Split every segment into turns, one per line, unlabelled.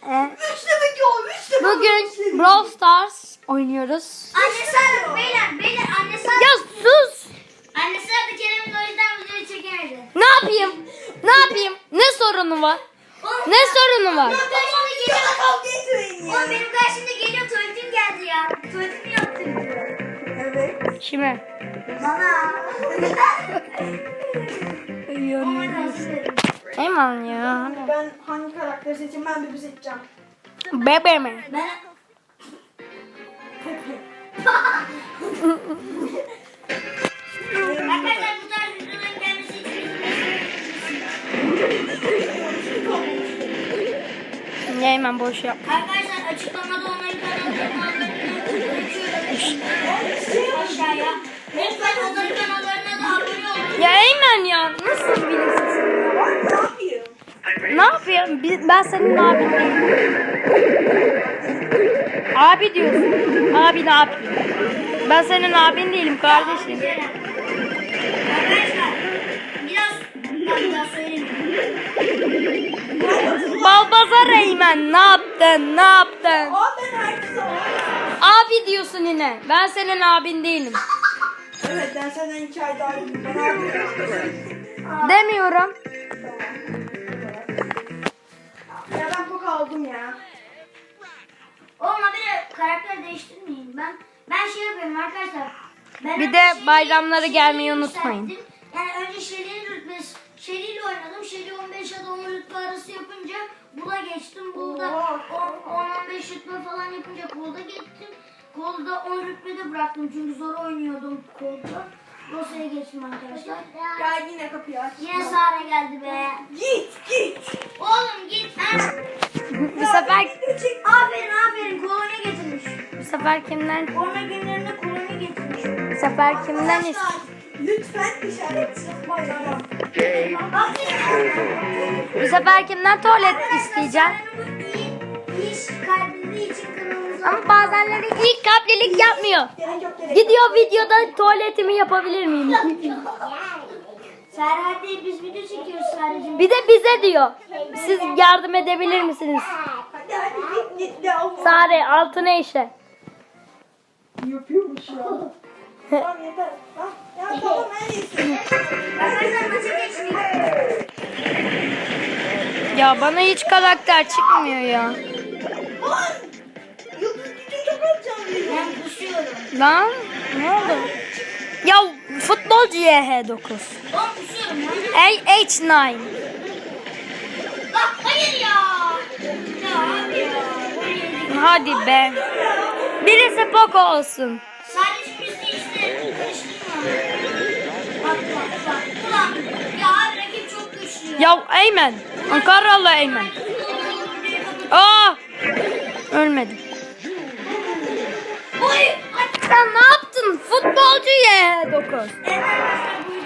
Bugün Brawl Stars oynuyoruz.
Annesi aradı beyler annesi aradı.
Ya sus!
Annesi aradı Kerem'in o yüzden videoyu çekemedi.
Ne yapayım? Ne yapayım? Ne sorunu var?
Oğlum,
Ne sorunu var?
Oğlum benim karşımda geliyor tuvaletim geldi ya. Tuvaletimi yaptım diyor.
Evet.
Kime?
Bana. Ama nasıl dedim.
Eyman ya.
Ben hangi karakteri seçeyim? Ben Bibi seçeceğim.
Bebe mi?
Ben... Arkadaşlar bu tarz videoların gelmesi için
Eyman boş yap.
arkadaşlar açıklamada onların kanallarını bırakıyorum. Aşağıya. Lütfen onların kanallarına da abone olun.
Ya Eymen ya. Nasıl bilirsin?
Ne yapayım?
Ne yapayım? Ben senin abin değilim. Abi diyorsun. Abi ne yapayım? Ben senin abin değilim kardeşim.
Arkadaşlar biraz söyleyeyim.
Balbazar Eymen ne yaptın? Ne yaptın?
Aa ben herkese var.
Abi diyorsun yine. Ben senin abin değilim.
Evet ben senden 2 ay daha iyiyim. Ben abi.
Demiyorum.
Ya ben çok aldım ya.
Olma bir karakter değiştirmeyin. Ben şey yapıyorum arkadaşlar. Ben
Bir
önce
de
Shelly'yi-
bayramları gelmeyi
Shelly'yi
unutmayın.
yükselttim. Yani önce Shelly'nin rütbesi. Shelly'yle oynadım. Shelly 15 ya da 10 rütbe arası yapınca Bull'a geçtim. Bull'da 10-15 rütbe falan yapınca Cold'a geçtim. Cold'da 10 rütbede bıraktım çünkü zor oynuyordum Cold'da. Rosa'ya geçtim arkadaşlar.
Gel yine kapıyı aç.
Yine Sara geldi be.
Git.
Oğlum git. Ha?
Bu sefer
Aferin kolonya getirmiş.
bu sefer kimden?
Korona günlerinde kolonya getirmiş.
Bu sefer kimden ist?
Lütfen işaret yapmayın ama.
Bu sefer kimden tuvalet isteyeceğim?
İyi iş kalbinde için kanalımıza.
Ama bazenleri ilk kalplilik yapmıyor.
Gerek yok.
Gidiyor videoda tuvaletimi yapabilir miyim?
Serhat değil biz video çekiyoruz sadece.
Bir de bize diyor. Siz yardım edebilir misiniz?
Hadi git de al.
Sare altına işe.
Yapıyormuş ya. Tamam yeter. Ya tamam en iyisi.
Arkadaşlar maça geçtik.
Ya bana hiç karakter çıkmıyor ya.
Yıldız gücü çok alacağım.
Ben kusuyorum.
Lan ne oldu? Ya futbolcu YH9.
Ben kusuyorum ya.
H9.
Bak hayır ya. Ya abi ya. Buraya
Hadi be. Birisi Poco olsun.
sadece bizi işte karıştırma. Bak. Ulan ya abi rakip çok güçlü.
Ya Eymen. Ankaralı Eymen. Aa! Ölmedim.
Oy!
Sen ne yaptın? Futbolcu YH9.
Evet arkadaşlar bu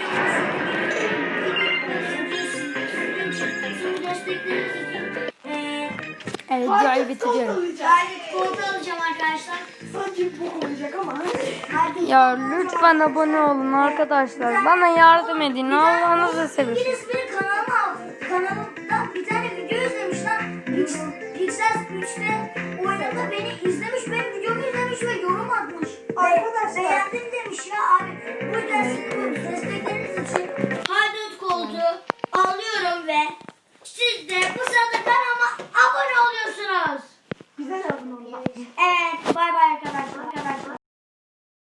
videomuz destekleriniz için
Evet videoyu bitiriyorum.
gayet koltuğu alacağım arkadaşlar.
Sanki bu olacak ama.
Hadi.
Ya lütfen abone olun arkadaşlar. Bana yardım edin. Allah'ınızı seversen.
Birisi benim kanalıma aldı. Kanalımda bir tane video izlemiş lan. Pixel 3'te oynadı beni izlemiş. Benim videomu izlemiş ve yorum atmış.
Arkadaşlar.
Beğendim demiş ya abi. Bu yüzden sizin bu destekleriniz için Haydut koltuğu alıyorum ve siz de bu sırada kanalıma abone oluyorsunuz.
Güzel abone olmak.
Evet bay bay arkadaşlar.